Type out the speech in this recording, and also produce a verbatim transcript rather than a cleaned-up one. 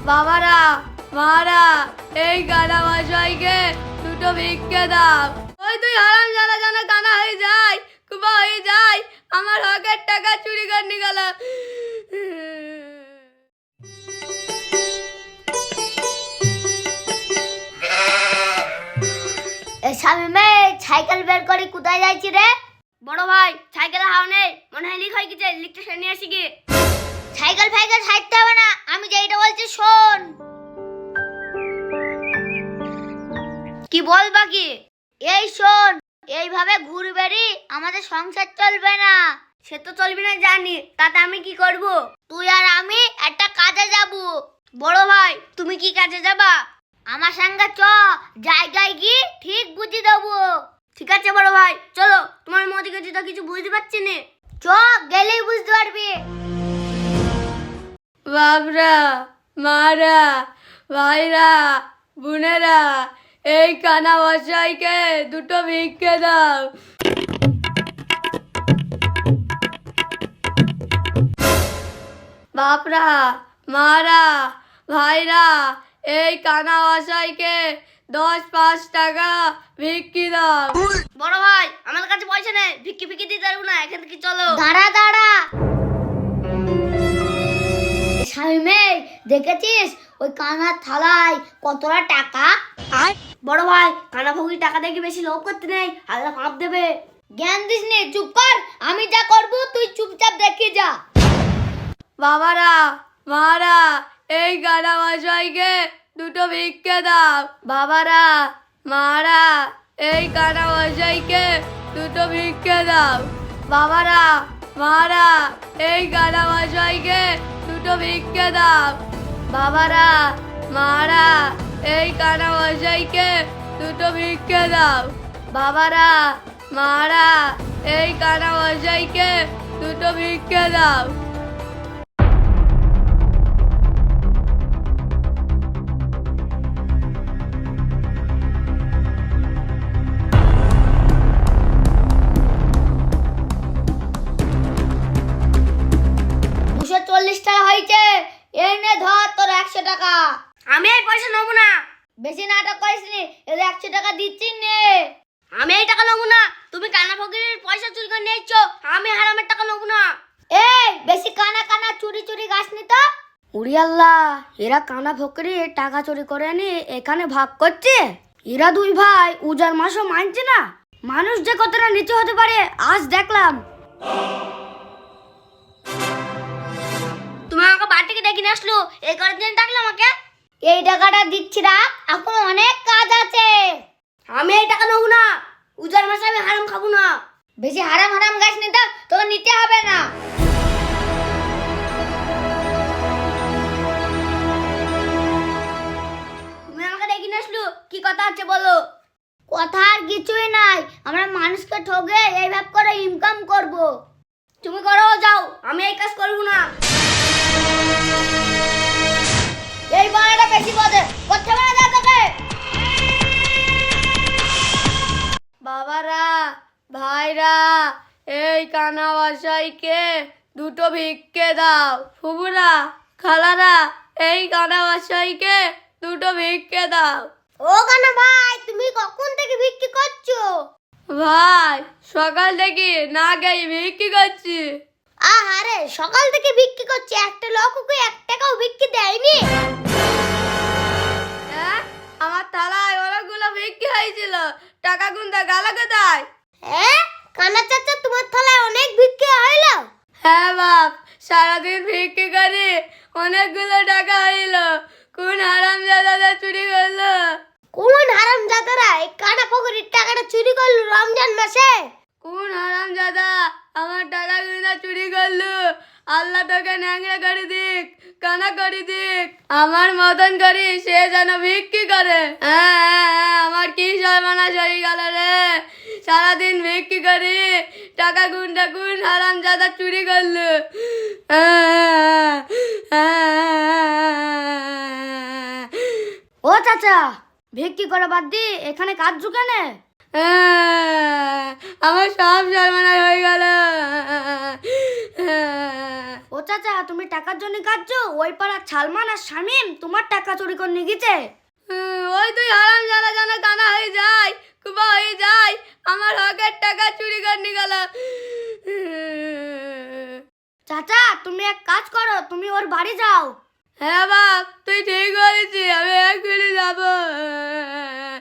বাবারা মারা এই কানা মশাইকে দুটো ভিক্ষে দাও। ওই তুই হারাম জানা জানা কানা হয়ে যায়, কুবা হয়ে যায়, আমার হকের টাকা চুরি করে নিয়ে গেল। শামিমে সাইকেল বের করে কোথায় যাইছি রে? বড় ভাই সাইকেলে হাও নেই, মনে হয় লিক হয়ে গেছে, লিকটা সে নিয়ে আসি গিয়ে। সাইকেল ফাইকেল ছাড়তে হবে না, আমি যেটা বলছি শোন। কি বল বাকি? এই শোন, এইভাবে ঘুরবেরি আমাদের সংসার চলবে না। সে তো চলবে না জানি, তাতে আমি কি করব? তুই আর আমি একটা কাজে যাব। বড় ভাই তুমি কি কাজে যাবা? আমার সঙ্গে চ, জায়গায় গিয়ে ঠিক বুঝিয়ে দেবো। ঠিক আছে বড় ভাই চলো, তোমার মতি গেছি তো কিছু বুঝতে পারছি না। চ, গেলেই বুঝতে পারবি। বাবরা মারা ভাইরা বোনেরা এই কানা মশাইকে দুটো ভিক্ষে দাও। বাপরা মারা ভাইরা এই কানা মশাইকে দশ পাঁচ টাকা ভিক্ষি দাও। বড় ভাই আমার কাছে পয়সা নেই, ভিক্ষি ভিক্ষি দিতে পারবো না, এখান থেকে চলো। দাঁড়া দাঁড়া, শামিমে দেখেছিস ওই কানার থালায় কতটা টাকা? আর বড় ভাই কানা ভোগী টাকা দেখে বেশি লোভ করতে নেই, আলাদা পাপ দেবে। জ্ঞান দিস নে, চুপ কর। আমি যা করব তুই চুপচাপ দেখে যা। বাবারা মারা এই কানা মশাইকে দুটো ভিক্ষে দাও। বাবারা মারা এই কানা মশাইকে দুটো ভিক্ষে দাও। বাবারা মারা এই কানা মশাইকে দুটো ভিক্ষে দাও। বাবারা মারা এই কানা মশাইকে দুটো ভিক্ষে দাও। বাবারা মারা এই কানা মশাইকে দুটো ভিক্ষে দাও। দুশো চল্লিশ টাকা হয়েছে, এই নে ধর তোর একশো টাকা। আমি এই পয়সা নেবো না। বেশি নাটক করিস নি, এর একশো টাকা দিচ্ছি নে। আমি এই টাকা নেবো না, তুমি কানা ফকিরের পয়সা চুরি করে নিয়েছ, আমি হারামের টাকা নেবো না। এই বেশি কানা কানা চুরি চুরি গাছ নি তো। উড়ি আল্লাহ, এরা কানা ফকিরি টাকা চুরি করে নি এখানে ভাগ করছে। এরা দুই ভাই উজার মাসও মানছে না। মানুষ যে কতটা নিচু হতে পারে আজ দেখলাম। তুমি আমাকে বাড়ি থেকে ডেকে নিয়ে আসলো, এই করার জন্য ডাকলো আমাকে? এই টাকাটা দিচ্ছি রাখ, এখন অনেক কাজ আছে। আমি এই টাকা নেবো না, উজার মাসে আমি হারাম খাবো না। বেশি হারাম হারাম গাছ নিতে তোকে নিতে হবে না। তুমি আমাকে ডেকে নিয়ে আসলো, কি কথা আছে বলো? কথা আর কিছুই নাই, আমরা মানুষকে ঠগে এইভাবে করে ইনকাম করব। তুমি করো যাও, আমি এই কাজ করবো না। এই বানাটা বেশি বদে করতে পারে না তোকে। বাবারা ভাইরা এই কানা মশাইকে দুটো ভিক্ষে দাও। ফুবুরা খালারা এই কানা মশাইকে দুটো ভিক্ষে দাও। ও কানা ভাই, তুমি কখন থেকে বিক্রি করছো? ভাই সকাল থেকে না গেই ভিক্ষি করছি। আহারে সকাল থেকে বিক্রি করছে, একটা লোককে এক টাকাও বিক্রি দেয়নি। হ্যাঁ আমার থালায় অনেকগুলো ভিক্ষি হয়েছিল, টাকা গুনতে গেল কোথায়? হ্যাঁ কানা চাচা, তোমার থালায় অনেক বিক্রি হইলো? হ্যাঁ বাপ, সারাদিন ভিক্ষি করি অনেকগুলো টাকা হইল। কোন হারাম জাদাটা চুরি করলো? কোন হারাম জাদারা এই কানা পকেটের টাকাটা চুরি করলো রমজান মাসে? কোন হারাম জাদা আমার টাকা গুনা চুরি করলো? আল্লাহ তোকে ন্যাংরা করে দিক, কানা করে দিক, আমার মতন করি সে যেন ভিক্ষি করে। হ্যাঁ হ্যাঁ, হ্যাঁ, আমার কি সর্বনাশ হয়ে গেল রে। সারাদিন ভিক্ষি করি, টাকা গুনটা কোন হারাম জাদা চুরি করলো? ও চাচা, ভিক্ষি করে বাদ দি এখানে কাজ ঢুকানে? আমার সব সর্বনাশ হয়ে গেল। ও ও চাচা, তুমি টাকার জন্য কাঁদছো? ওই পাড়ার সালমান আর শামিম তোমার টাকা চুরি করে নিয়ে গেছে। হুম, ওই তুই হারাম জানা জানা কানা হয়ে যায়, কুবা হয়ে যায়, আমার হকের টাকা চুরি করে নিয়ে গেল। চাচা, তুমি এক কাজ করো, তুমি ওর বাড়ি যাও। হ্যাঁ বাপ, তুই ঠিক বলেছিস, আমি এক্ষুনি যাবো।